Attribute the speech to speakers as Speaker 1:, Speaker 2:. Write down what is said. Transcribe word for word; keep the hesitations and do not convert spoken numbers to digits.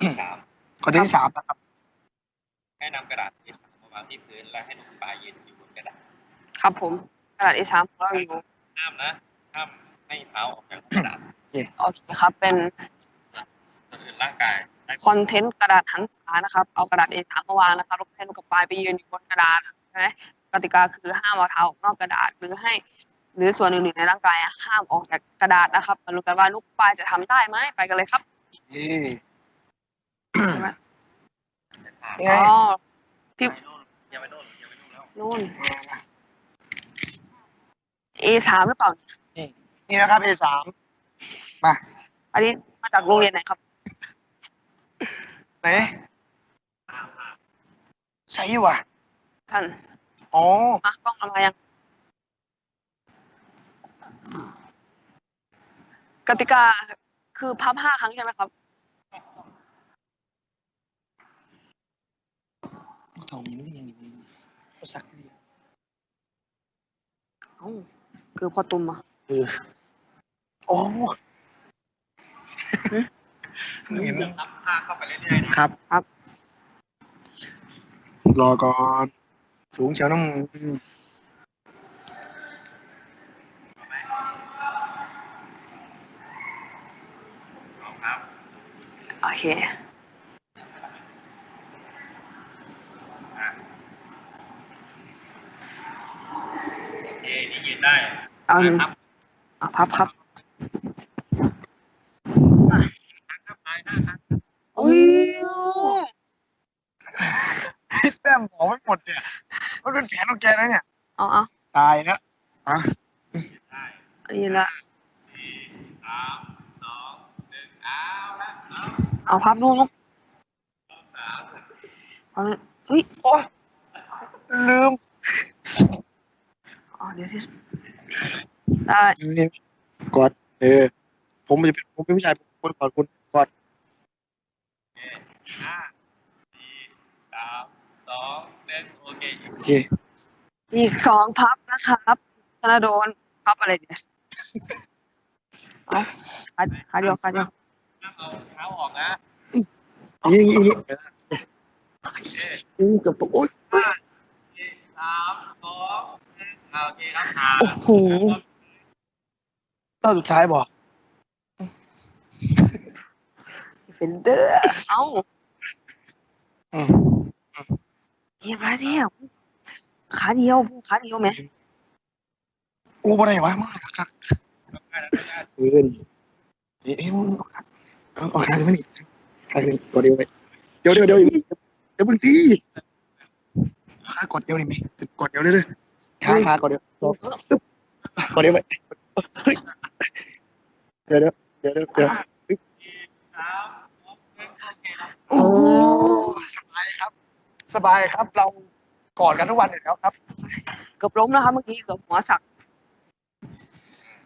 Speaker 1: สาม
Speaker 2: ข้อที่สามนะครับ
Speaker 1: ให้นำกระดาษ เอ สาม มาวางที่พื้นและให้นกปลายืนอยู่บนกระดาษ
Speaker 3: ครับผมกระดาษ เอ สาม ของเราอยู่
Speaker 1: ห้ามนะห้ามให้เท้าออกจากกระดาษ
Speaker 3: โอเคครับเป็น
Speaker 1: ส่วนอื่นร่างกาย
Speaker 3: คอนเทนต์กระดาษหันษานะครับเอากระดาษ เอ สาม มาวางนะครับแล้วให้นกกระปายไปยืนอยู่บนกระดาษใช่ไหมกติกาคือห้ามเอาเท้าออกนอกกระดาษหรือให้หรือส่วนอื่นๆในร่างกายห้ามออกจากกระดาษนะครับมาดูกันว่านกปลายจะทำได้ไหมไปกันเลยครับ
Speaker 2: นี่ไง
Speaker 3: อ๋อพี่
Speaker 1: ยังไม่โน่นยังไม่โน่นแล้ว
Speaker 3: นู่น เอ สาม หรือเปล่า
Speaker 2: นี่นี่นะครับ เอ สาม มา
Speaker 3: อันนี้มาจากโรงเรียนไหนครับ
Speaker 2: ไหนใช่ว่ะ
Speaker 3: ท่าน
Speaker 2: อ๋อ
Speaker 3: มากล้องเอามายังกติกาคือพับห้าครั้งใช่ไหมครับ
Speaker 2: ตรงนี้ไม่ยังมีเขาสักที
Speaker 3: เอ้าคือพอตุ่มอ่ะ
Speaker 2: เออโอ้
Speaker 1: เห็นรับผ้าเข้าไปเรื่อยๆ
Speaker 2: นะครับ
Speaker 3: ครับ
Speaker 2: รอก่อนสูงเชียวน้ำ
Speaker 3: โอเค
Speaker 1: เอนี่ยืนได้
Speaker 3: เอาหนึ่งอ่ะพับครับ
Speaker 2: อุ้ยแต้มบอกไม่หมดเนี่ยมันเป็นแผนของแกนะเนี่ย
Speaker 3: เอาเอา
Speaker 2: ตายแล้วอ่ะ
Speaker 3: นี่ละ
Speaker 1: สี่สามสองหนึ่งเอาละเอา
Speaker 3: เอาพับลูกเอาเฮ้ย
Speaker 2: โอ้ลืม
Speaker 3: อ๋อเดี๋ยวได้
Speaker 2: นี่กอดเออผมจะเป็นผมเป็นผู้ชายคนกอดคุณกอด
Speaker 1: ห้าสี่สามสองหนึ่งโอเค
Speaker 2: โอเค
Speaker 3: อีกสองพับนะครับธนาโดนพับอะไรเนี่ยเอาขาขาเดียวขาเดียว
Speaker 1: เอาเท้าออกนะ
Speaker 2: ยิงยิงยิงกับโอ๊ย
Speaker 1: ห้าสี่สามสองหนึ่งโอเคครับขา
Speaker 2: โอ้โหตอนสุดท้ายบอก
Speaker 3: เฟนเดอร์เอ้า
Speaker 2: อืม
Speaker 3: เยี่ยมแล้วเที่ยวขาเดียวขาเดียวไหม
Speaker 2: โอ้บ่ได้วะมากครับเออนี่เอ้ยเอาเอาขาเลยมั้ยนี่ขาเลยกดเดียวไปเดี๋ยวเดี๋ยวเดี๋ยวเดี๋ยวมึงตีขากดเดียวนี่ไหมกดเดียวเลยเลยขาขากดเดียวกดเดียวไปเฮ้ยเดี๋ยวเดี๋ยวเดี๋ยวเดี๋ยวเดี๋ยวโอ้สบายครับสบายครับเรากอดกันทุกวันอยู่แล้วครับ
Speaker 3: เกือบล้มแล้วครับเมื่อกี้เกือบหัวสัก